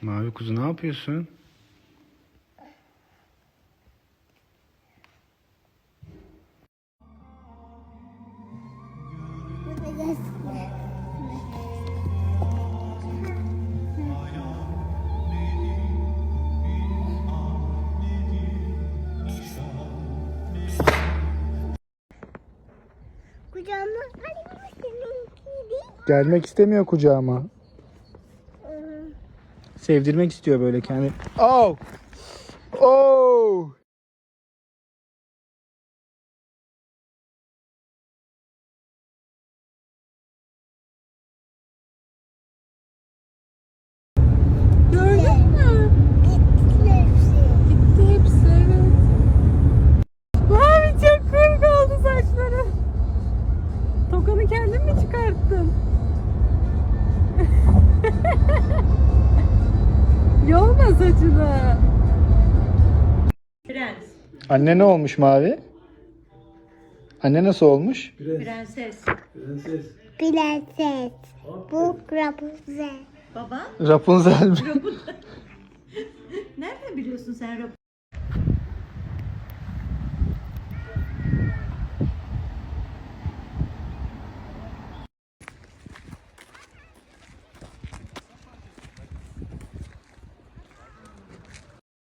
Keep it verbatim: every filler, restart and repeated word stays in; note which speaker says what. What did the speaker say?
Speaker 1: Mavi kuzu ne yapıyorsun?
Speaker 2: Kucağıma alayım seninkiydi.
Speaker 1: Gelmek istemiyor kucağıma. Sevdirmek istiyor böyle kendi. Oh! Oh!
Speaker 3: Gördün mü?
Speaker 2: Gitti hepsi.
Speaker 3: Gitti hepsi, evet. Mavi çok komik oldu saçları. Tokanı kendin mi çıkarttın? Yolma saçını.
Speaker 4: Prens,
Speaker 1: Anne ne olmuş Mavi? Anne nasıl olmuş?
Speaker 4: prenses.
Speaker 2: Prenses. Bu Rapunzel.
Speaker 4: Baba,
Speaker 1: Rapunzel mi?
Speaker 4: nereden biliyorsun sen Rapunzel?